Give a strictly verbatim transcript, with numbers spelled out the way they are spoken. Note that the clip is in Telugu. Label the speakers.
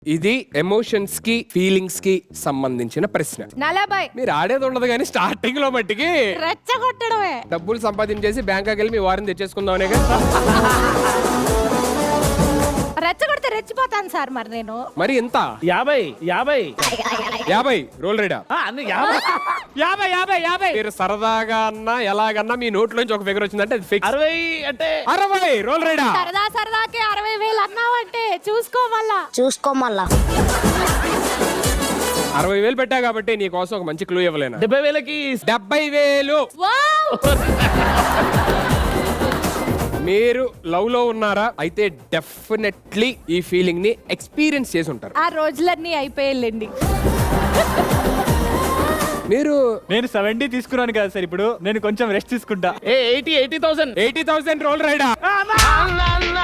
Speaker 1: ఇది ఎమోషన్స్ కి ఫీలింగ్స్ కి సంబంధించిన ప్రశ్న.
Speaker 2: నలభై.
Speaker 1: మీరు ఆడేది ఉండదు కానీ స్టార్టింగ్ లో మట్టికి
Speaker 2: రెచ్చగొట్టడమే.
Speaker 1: డబ్బులు సంపాదించేసి బ్యాంకాకి వెళ్ళి మీ వారిని తెచ్చేసుకుందామనే.
Speaker 2: రెచ్చగొడితే రెచ్చిపోతాను సార్ మరి నేను.
Speaker 1: మరి ఎంత?
Speaker 3: యాభై యాభై
Speaker 1: యాభై రోల్ రేడా?
Speaker 3: ఆ, అన్ని యాభై యాభై యాభై యాభై
Speaker 1: మీరు సరదాగా అన్నా ఎలాగన్నా మీ నోట్లోంచి ఒక ఫిగర్ వచ్చిందంటే అది ఫిక్స్.
Speaker 3: అరవై అంటే
Speaker 1: అరవై రోల్ రేడా?
Speaker 2: సరదా సరదాకి అరవై వేలు అన్నావంటే చూసుకో మళ్ళా.
Speaker 4: చూసుకో మళ్ళా.
Speaker 1: అరవై వేలు పెట్టా కాబట్టి నీ కోసం ఒక మంచి క్లూ ఇవ్వలేనా?
Speaker 3: డెబ్బై వేలకి
Speaker 1: డెబ్బై వేలు.
Speaker 2: వావ్!
Speaker 1: మీరు లవ్ లో ఉన్నారా? అయితే డెఫినెట్లీ ఈ ఫీలింగ్ ని ఎక్స్పీరియన్స్ చేసి ఉంటారు.
Speaker 2: ఆ రోజులన్నీ అయిపోయాలండి.
Speaker 1: మీరు
Speaker 5: నేను సెవెంటీ తీసుకున్నాను కదా సార్, ఇప్పుడు నేను కొంచెం రెస్ట్ తీసుకుంటా.
Speaker 3: ఏ eighty eighty thousand
Speaker 1: eighty thousand roll రైడా?
Speaker 3: అన్నా